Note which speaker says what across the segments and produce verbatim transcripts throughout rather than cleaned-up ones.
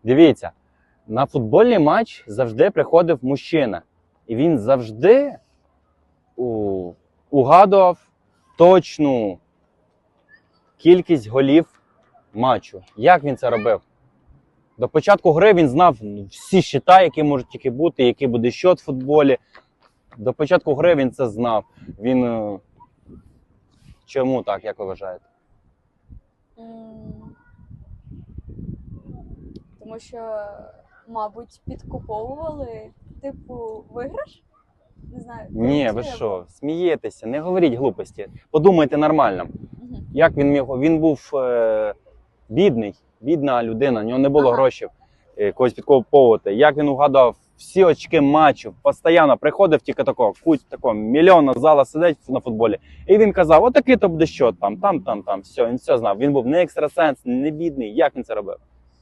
Speaker 1: Дивіться, на футбольний матч завжди приходив мужчина. І він завжди у... угадував точну кількість голів матчу. Як він це робив? До початку гри він знав всі щита, які можуть тільки бути, який буде щот в футболі. До початку гри він це знав. Він... Чому так, як ви вважаєте?
Speaker 2: Тому що, мабуть, підкуповували, типу, виграш? Не знаю.
Speaker 1: Ні, ви що, смієтеся, не говоріть глупості. Подумайте нормально.
Speaker 2: Угу.
Speaker 1: Як він міг? Він був е, бідний, бідна людина, у нього не було
Speaker 2: Ага.
Speaker 1: грошей е, когось підкуповувати. Як він угадав всі очки матчів, постійно приходив тільки такого, куть такого, мільйонна зала сидить на футболі. І він казав, отакий то буде що там, там, там, там, все, він все знав. Він був не екстрасенс, не бідний. Як він це робив?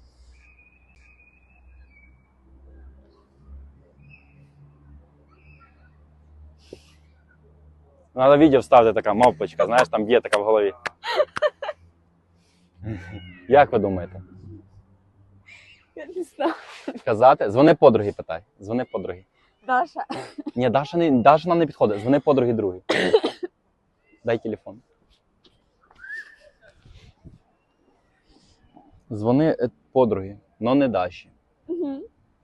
Speaker 1: Надо відео вставити, така мавпочка, знаєш, там є така в голові. Як ви думаєте?
Speaker 2: Я не знаю.
Speaker 1: Казати? Дзвони подруги, питай. Дзвони подруги.
Speaker 2: Даша.
Speaker 1: Ні, Даша, не, Даша нам не підходить. Дзвони подруги другий. Дай телефон. Дзвони е, подруги, но не Даші.
Speaker 2: Угу.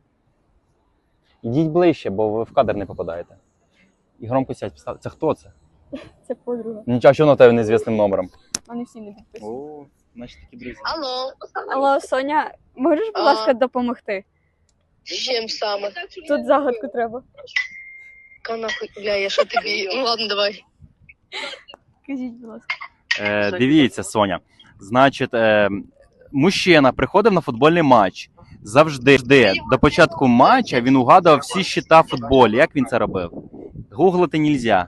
Speaker 1: Ідіть ближче, бо ви в кадр не попадаєте. І громко сядь, поставте. Це хто це?
Speaker 2: Це подруга.
Speaker 1: Нічого, що на тебе незвісним номером.
Speaker 2: Вони всі не підписані.
Speaker 1: О, значить такі друзі.
Speaker 3: Алло,
Speaker 2: Алло, Соня, можеш, будь
Speaker 3: А.
Speaker 2: ласка, допомогти?
Speaker 3: з чим саме?
Speaker 2: Тут загадку треба.
Speaker 3: Ка нахуй, бля, я що тобі? Ну ладно, давай.
Speaker 2: Кажіть, будь ласка.
Speaker 1: Е, дивіться, Соня. Значить, е, мужчина приходив на футбольний матч. Завжди, завжди до початку матча він угадував всі щита в футболі. Як він це робив? Гуглити нельзя.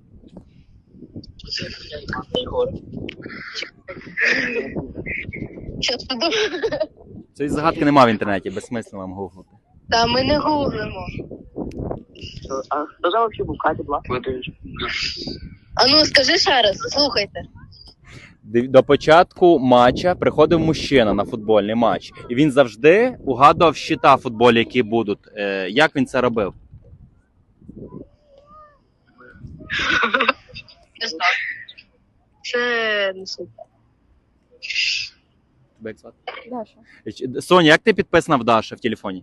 Speaker 3: Щас піду.
Speaker 1: Цієї загадки немає в інтернеті, безсмислено вам гуглити.
Speaker 3: Та ми не гуглимо.
Speaker 4: А хто за вообще був Катя була?
Speaker 3: А ну скажи ще раз, слухайте.
Speaker 1: Див- До початку матча приходив мужчина на футбольний матч. І він завжди угадував щита в футболі, які будуть. Е, як він це робив?
Speaker 3: Не знаю. Це не суть.
Speaker 1: Тебе як звати?
Speaker 2: Даша.
Speaker 1: Ч- Соня, як ти підписана в Даші в телефоні?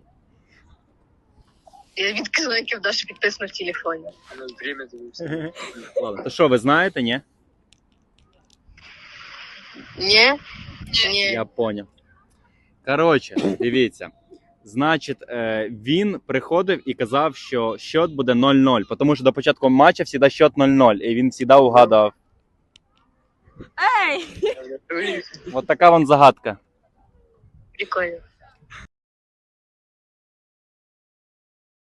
Speaker 3: Я відказала, яке в Даші підписано в телефоні.
Speaker 1: Ладно, то що, ви знаєте, ні?
Speaker 3: Ні? Ні.
Speaker 1: Я поняв. Коротше, дивіться. Значить, е, він приходив і казав, що счет буде нуль нуль, тому що до початку матчу завжди счет нуль нуль, і він завжди угадував.
Speaker 2: Ей!
Speaker 1: От така вон загадка.
Speaker 3: Прикольно.